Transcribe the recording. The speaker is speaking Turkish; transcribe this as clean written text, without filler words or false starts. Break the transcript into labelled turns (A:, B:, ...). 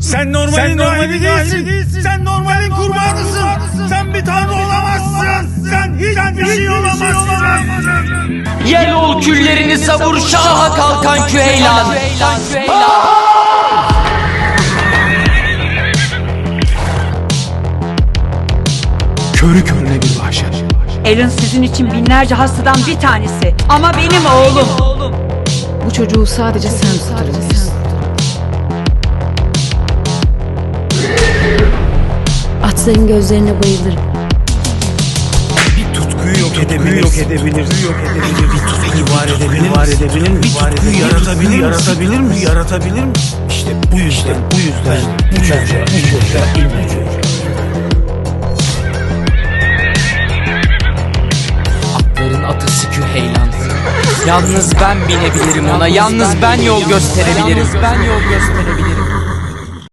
A: Sen normalin rahibi değilsin. Sen normalin kurbanısın. Sen bir tanrı olamazsın. Sen hiçbir şey olamazsın.
B: Yel ol küllerini savur şaha kalkan Küheylan.
A: Körü körüne bir vahşet.
C: Aaron sizin için binlerce hastadan bir tanesi. Ama benim oğlum.
D: Bu çocuğu sadece sen tutturabilirsin.
E: Atların gözlerine bayılırım.
A: Bir tutkuyu yok edebilir. Bir tutkuyu var edebilir mi? Bir tutkuyu yaratabilir mi? İşte bu yüzden bu çocuğa ilmi çocuğa.
B: Atların atısı Küheylan. Yalnız ben binebilirim ona. Yalnız ben yol gösterebilirim.